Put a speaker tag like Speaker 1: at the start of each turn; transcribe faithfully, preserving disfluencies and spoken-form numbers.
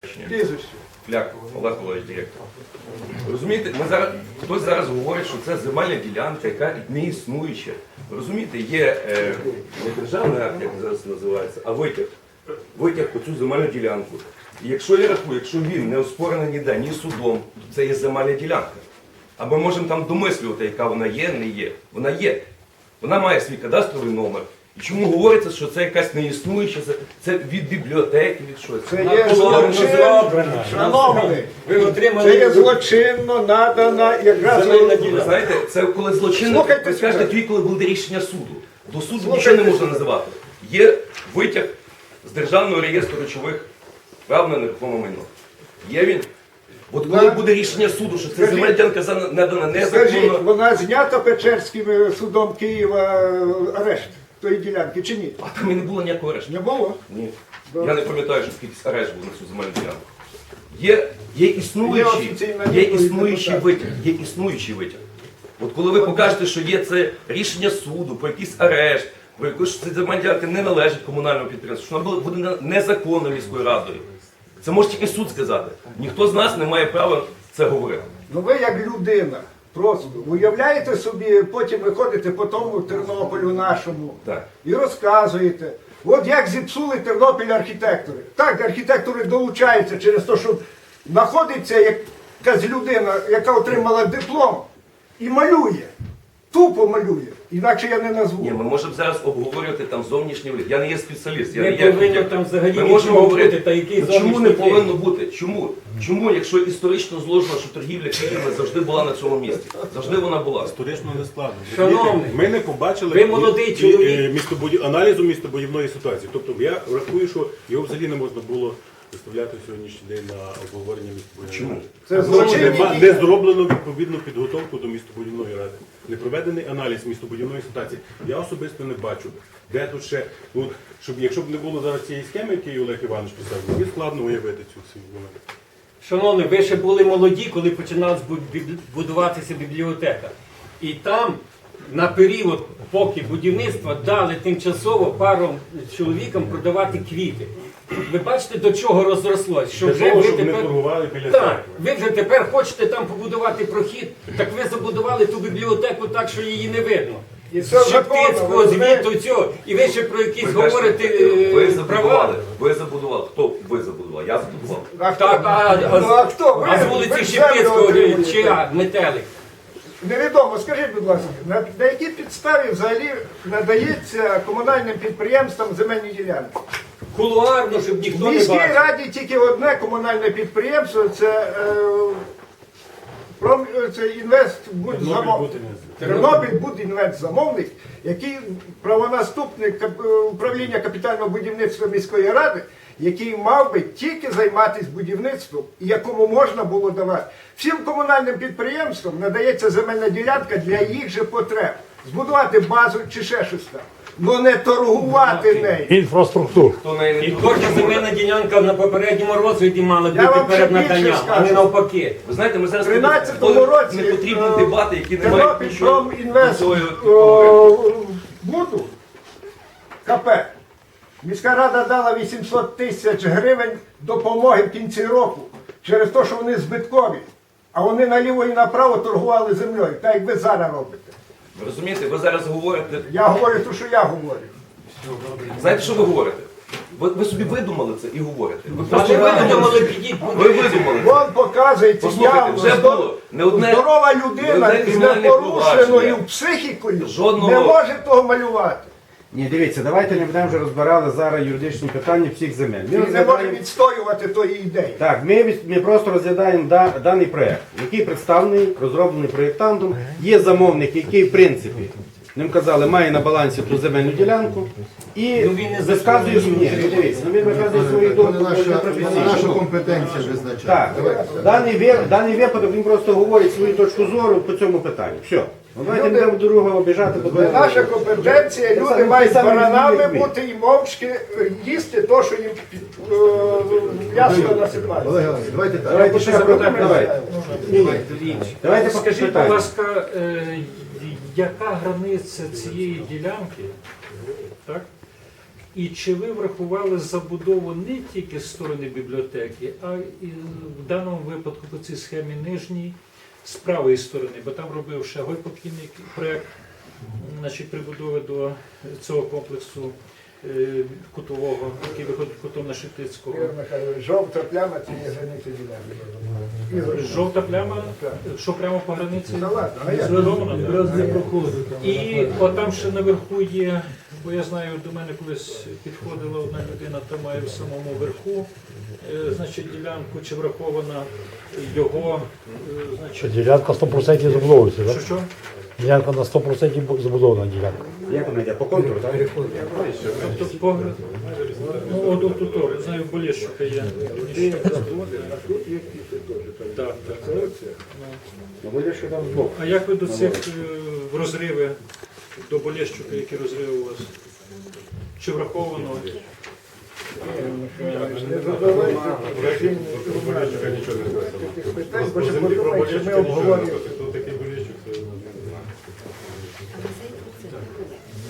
Speaker 1: Прізвище.
Speaker 2: Фляк, Олег Олегович, директор. Розумієте, ми зараз, хтось зараз говорить, що це земельна ділянка, яка не існуюча. Розумієте, є е, не державний акт, як зараз називається, а витяг. Витяг по цю земельну ділянку. І якщо я рахую, якщо він не оспорений ніде, ні судом, то це є земельна ділянка. А ми можемо там домислювати, яка вона є, не є. Вона є. Вона має свій кадастровий номер. І чому говориться, що це якась неіснуюча, це, це від бібліотеки, від щось.
Speaker 1: Це є злочинно, шановний,
Speaker 3: Ви отримали
Speaker 1: це є злочинно надана якраз...
Speaker 3: земельна
Speaker 2: Ви
Speaker 3: ділянка.
Speaker 2: знаєте, це коли злочинно,
Speaker 1: Слухайте
Speaker 2: ви скажете,
Speaker 1: сюди.
Speaker 2: тоді, коли буде рішення суду. До суду
Speaker 1: Слухайте
Speaker 2: нічого не можна
Speaker 1: сюди.
Speaker 2: називати. Є витяг з Державного реєстру речових прав на нерухоме майно. Є він. От коли
Speaker 1: Так.
Speaker 2: буде рішення суду, що це
Speaker 1: Скажіть.
Speaker 2: земельна ділянка за- надана
Speaker 1: Скажіть,
Speaker 2: незаконно,
Speaker 1: вона знята Печерським е, судом Києва е, арешт тої ділянки чи ні?
Speaker 2: а там і не було ніякого арешту.
Speaker 1: Не було?
Speaker 2: Ні.
Speaker 1: Добре.
Speaker 2: Я не пам'ятаю, що скільки арешт був на цю земельну ділянку. Є, є існуючий,
Speaker 1: Є офіційна
Speaker 2: є
Speaker 1: відповідь
Speaker 2: існуючий
Speaker 1: депутата.
Speaker 2: витяг. Є існуючий витяг. От коли ви покажете, що є це рішення суду про якийсь арешт, про якусь що ця земельна ділянка не належить комунальному підприємству, що вона буде буде незаконно міською радою. Це може тільки суд сказати. Ніхто з нас не має права це говорити.
Speaker 1: Ну ви як людина, просто уявляєте собі, потім ви ходите по тому Тернополю нашому
Speaker 2: Так.
Speaker 1: і розказуєте, от як зіпсули Тернопіль архітектори. Так, архітектори долучаються через те, що знаходиться якась людина, яка отримала диплом і малює, тупо малює, інакше я не назву.
Speaker 2: Ні, ми можемо зараз обговорювати там зовнішній вигляд. Я не є спеціаліст, я
Speaker 3: Не
Speaker 2: не є
Speaker 3: повинно
Speaker 2: архітектор.
Speaker 3: там взагалі
Speaker 2: Ми можемо
Speaker 3: нічого
Speaker 2: говорити,
Speaker 3: бути, та який
Speaker 2: ну, чому не
Speaker 3: зовнішній
Speaker 2: повинно
Speaker 3: вигляд?
Speaker 2: бути? Чому? Чому, якщо історично зложено, що торгівля квітами завжди була на цьому місці? Завжди вона була.
Speaker 4: Історично не складно.
Speaker 3: Шановний,
Speaker 4: ми не побачили
Speaker 3: ви молодий
Speaker 4: і-
Speaker 3: чоловік.
Speaker 4: і, е, містобуді- аналізу містобудівної ситуації. Тобто я рахую, що його взагалі не можна було виставляти в сьогоднішній день на обговорення містобудівної
Speaker 2: Чому?
Speaker 4: ради.
Speaker 1: Це
Speaker 4: Тому що
Speaker 1: злочинні
Speaker 4: нема-
Speaker 1: дії.
Speaker 4: не зроблено відповідну підготовку до містобудівної ради. Не проведений аналіз містобудівної ситуації. Я особисто не бачу, де тут ще, ну, щоб якщо б не було зараз цієї схеми, яку Олег Іванович писав, мені складно уявити цю цю момент.
Speaker 3: Шановні, ви ще були молоді, коли починалась бу- біб- будуватися бібліотека. І там на період, поки будівництва, дали тимчасово паром чоловікам продавати квіти. Ви бачите, до чого розрослось? Що
Speaker 4: Для
Speaker 3: вже
Speaker 4: того,
Speaker 3: ви
Speaker 4: щоб не
Speaker 3: тепер...
Speaker 4: торгували біля
Speaker 3: Так,
Speaker 4: церкви.
Speaker 3: ви вже тепер хочете там побудувати прохід, так ви забудували ту бібліотеку так, що її не видно.
Speaker 1: І це
Speaker 3: З
Speaker 1: законно,
Speaker 3: Шептицького,
Speaker 1: ви знаєте.
Speaker 3: звіту, цього. І ви ще про якісь
Speaker 2: Ви кажете,
Speaker 3: говорите
Speaker 2: ви
Speaker 3: е,
Speaker 2: забудували,
Speaker 3: права.
Speaker 2: ви забудували. Хто ви забудував? Я забудував.
Speaker 1: А хто?
Speaker 3: Так, а,
Speaker 1: Ну, а хто? Ви-
Speaker 3: а з
Speaker 1: ви
Speaker 3: вулиці
Speaker 1: землю
Speaker 3: Шептицького
Speaker 1: отримуєте.
Speaker 3: чи а, Метелик?
Speaker 1: Невідомо, скажіть, будь ласка, на, на якій підставі взагалі надається комунальним підприємствам земельні ділянки?
Speaker 3: Кулуарно, щоб
Speaker 1: В
Speaker 3: ніхто не
Speaker 1: міській
Speaker 3: бачив.
Speaker 1: раді тільки одне комунальне підприємство, це, е, пром, це інвестбудзамовник. Тернопіль Будінвестзамовник, який правонаступник кап- е, управління капітального будівництва міської ради, який мав би тільки займатися будівництвом і якому можна було давати. Всім комунальним підприємствам надається земельна ділянка для їх же потреб. Збудувати базу чи ще щось там. Ну не торгувати нею.
Speaker 5: Інфраструктуру.
Speaker 2: Хто неї не
Speaker 3: І
Speaker 2: торгує,
Speaker 3: кожна земельна ділянка на попередньому розгляді мала
Speaker 1: Я
Speaker 3: бути
Speaker 1: вам
Speaker 3: перед
Speaker 1: ще більше
Speaker 3: наданням, а
Speaker 1: скажу.
Speaker 3: не навпаки.
Speaker 2: Ви знаєте, ми зараз
Speaker 1: В тринадцятому
Speaker 2: вводимо
Speaker 1: році
Speaker 2: непотрібні
Speaker 1: е,
Speaker 2: дебати, які не мають
Speaker 1: Тернопіль
Speaker 2: нічого до
Speaker 1: Промінвест
Speaker 2: цього
Speaker 1: е,
Speaker 2: говорити.
Speaker 1: Буду КП. Міська рада дала вісімсот тисяч гривень допомоги в кінці року через те, що вони збиткові. А вони наліво і направо торгували землею, так як ви зараз робите.
Speaker 2: Ви розумієте, ви зараз говорите.
Speaker 1: Я говорю те, що я говорю.
Speaker 2: Знаєте, що ви говорите? Ви, ви собі видумали це і говорите. Ви
Speaker 3: А
Speaker 2: просто
Speaker 3: не ви
Speaker 2: видумали.
Speaker 3: думали, підіть
Speaker 2: Ви видумали. це.
Speaker 1: Вон показується
Speaker 2: Послухайте,
Speaker 1: явно,
Speaker 2: вже
Speaker 1: здор-
Speaker 2: було не одне-
Speaker 1: здорова
Speaker 2: не
Speaker 1: людина
Speaker 2: одне
Speaker 1: з
Speaker 2: кримінальне
Speaker 1: непорушеною
Speaker 2: провадження.
Speaker 1: психікою
Speaker 2: Жодного-
Speaker 1: не може того малювати.
Speaker 5: Ні, дивіться, давайте не будемо вже розбирали зараз юридичні питання всіх земель. Ми
Speaker 1: Він не може
Speaker 5: розглядаємо...
Speaker 1: відстоювати тої ідеї.
Speaker 5: Так, ми, від- ми просто розглядаємо да, даний проєкт, який представлений, розроблений проєктантом. Є замовник, який, в принципі, ним казали, має на балансі ту земельну ділянку. І
Speaker 3: Ну, він не
Speaker 5: висказує ні, ну, дивіться, ну, він висказує свою думку
Speaker 6: Це наша,
Speaker 5: професійно.
Speaker 6: наша компетенція визначає.
Speaker 5: Так, даний, ви- даний випадок він просто говорить свою точку зору по цьому питанню. Все. Ну, давайте не будемо другого обіжати. бо
Speaker 1: Це наша компетенція,
Speaker 5: Це
Speaker 1: люди
Speaker 5: саме-
Speaker 1: мають
Speaker 5: це саме
Speaker 1: баранами
Speaker 5: як ми.
Speaker 1: бути і мовчки е, їсти то, що їм під- е, м'ясо насипають.
Speaker 6: Олег Іванович, давайте так.
Speaker 5: Давайте ще запитаємо. Давайте. Ні, ні. Давайте
Speaker 7: Скажіть, будь
Speaker 5: питання.
Speaker 7: ласка, е, яка границя цієї ділянки, так? І чи ви врахували забудову не тільки з сторони бібліотеки, а і в даному випадку по цій схемі нижній з правої сторони, бо там робив ще Гой покійний проєкт, значить, прибудови до цього комплексу е, кутового, який виходить кутом на Шептицького.
Speaker 1: Ігор Михайлович, жовта пляма це є границя ділянки.
Speaker 7: Жовта пляма, що прямо по границі
Speaker 1: Та ладно, а як?
Speaker 7: зруйнована.
Speaker 1: Раз не проходить.
Speaker 7: І отам ще наверху є, бо я знаю, до мене колись підходила одна людина, там має в самому верху, е, значить, ділянку, чи врахована його, е, значить,
Speaker 8: Ділянка сто відсотків забудовується,
Speaker 7: що
Speaker 8: так?
Speaker 7: що?
Speaker 8: Ділянка на сто відсотків забудована ділянка.
Speaker 5: Як вона йде? По контуру, так?
Speaker 7: Тобто погляд, ну от тут, тут, знаю, Болєщука є. Так, так.
Speaker 5: Ну, буде що там збоку.
Speaker 7: А як ви до цих е, в розриви, до Болєщука, які розриви у вас? Чи враховано?
Speaker 1: Не задавайте
Speaker 4: Болєщука нічого не знає.
Speaker 1: таких питань, бо
Speaker 4: По
Speaker 1: ще
Speaker 4: землі про
Speaker 1: подумають, що ми
Speaker 4: Болєщука нічого не
Speaker 1: обговорюємо.
Speaker 4: знає. Хто такий Болєщук, це не знаю.